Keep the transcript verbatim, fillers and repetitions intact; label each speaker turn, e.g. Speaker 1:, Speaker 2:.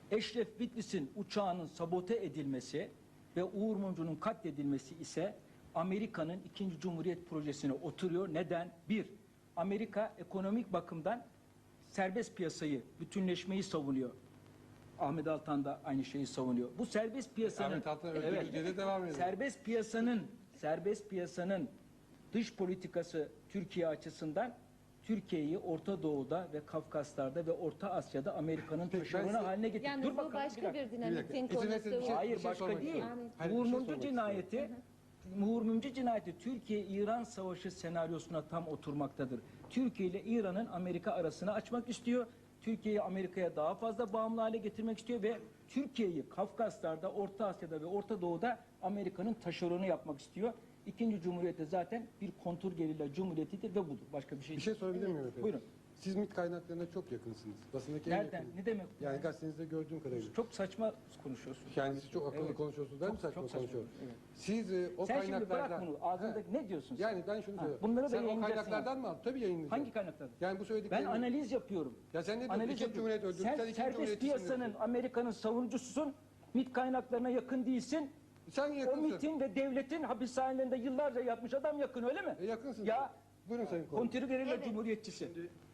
Speaker 1: Eşref Bitlis'in uçağının sabote edilmesi ve Uğur Mumcu'nun katledilmesi ise Amerika'nın ikinci Cumhuriyet projesine oturuyor. Neden? Bir, Amerika ekonomik bakımdan serbest piyasayı, bütünleşmeyi savunuyor. Ahmet Altan da aynı şeyi savunuyor. Bu serbest piyasanın
Speaker 2: Ahmet Altan
Speaker 1: evet,
Speaker 2: evet, Türkiye'de devam ediyor.
Speaker 1: Serbest piyasanın serbest piyasanın dış politikası Türkiye açısından Türkiye'yi Orta Doğu'da ve Kafkaslar'da ve Orta Asya'da Amerika'nın
Speaker 2: Peki,
Speaker 1: taşeronu
Speaker 2: ben size-
Speaker 1: haline getirdi.
Speaker 3: Yalnız
Speaker 1: Dur
Speaker 3: bu
Speaker 1: bakalım,
Speaker 3: başka
Speaker 1: dakika.
Speaker 3: bir dinamitin
Speaker 2: İzin
Speaker 3: konusu.
Speaker 2: verin, bir şey-
Speaker 1: Hayır
Speaker 2: bir şey
Speaker 1: başka
Speaker 2: sormak
Speaker 1: değil.
Speaker 2: istiyorum. Hayır,
Speaker 1: Uğur
Speaker 2: bir şey
Speaker 1: Mumcu
Speaker 2: sormak
Speaker 1: cinayeti Uğur Mumcu cinayeti Türkiye-İran savaşı senaryosuna tam oturmaktadır. Türkiye ile İran'ın Amerika arasını açmak istiyor. Türkiye'yi Amerika'ya daha fazla bağımlı hale getirmek istiyor ve Türkiye'yi Kafkaslar'da, Orta Asya'da ve Orta Doğu'da Amerika'nın taşeronu yapmak istiyor. İkinci Cumhuriyet'te zaten bir kontur gerilla cumhuriyetidir ve budur. Başka bir şey
Speaker 2: Bir
Speaker 1: değil.
Speaker 2: şey sorabilir miyim efendim?
Speaker 1: Buyurun.
Speaker 2: Siz MİT kaynaklarına çok yakınsınız. Basındaki en
Speaker 1: Nereden?
Speaker 2: yakın.
Speaker 1: Ne demek?
Speaker 2: Yani gazetenizde gördüğüm kadarıyla.
Speaker 1: Çok saçma konuşuyorsun.
Speaker 2: Yani siz çok akıllı
Speaker 1: Evet.
Speaker 2: konuşuyorsunuz. Ben mi
Speaker 1: Çok-
Speaker 2: saçma
Speaker 1: çok saçma,
Speaker 2: konuşuyorum?
Speaker 1: evet.
Speaker 2: Siz e, o
Speaker 1: Sen şimdi
Speaker 2: kaynaklardan...
Speaker 1: bırak bunu. Ağzındaki ne diyorsun sen?
Speaker 2: Yani ben şunu
Speaker 1: Ha,
Speaker 2: söylüyorum.
Speaker 1: bunları da
Speaker 2: sen o
Speaker 1: yayınlayacaksın
Speaker 2: kaynaklardan mı aldın? Tabii yayınlayacağım.
Speaker 1: Hangi kaynaklardan?
Speaker 2: Yani bu
Speaker 1: Ben
Speaker 2: söylediklerini...
Speaker 1: analiz yapıyorum.
Speaker 2: Ya sen ne diyorsun?
Speaker 1: Analiz
Speaker 2: İkinci
Speaker 1: yapıyorum.
Speaker 2: Cumhuriyet öldürdü.
Speaker 1: Sen
Speaker 2: Sen ikinci
Speaker 1: serbest
Speaker 2: Cumhuriyetçisin
Speaker 1: piyasanın
Speaker 2: diyorsun.
Speaker 1: Amerika'nın savunucususun. MİT kaynaklarına yakın değilsin.
Speaker 2: Sen
Speaker 1: O
Speaker 2: yakınsın.
Speaker 1: MİT'in ve devletin hapishanelerinde yıllarca yapmış adam yakın öyle mi?
Speaker 2: E, yakınsın.
Speaker 1: Ya
Speaker 2: Buyurun Sayın Korum.
Speaker 1: kontrgerilla
Speaker 3: Evet.
Speaker 1: cumhuriyetçisi.
Speaker 4: Şimdi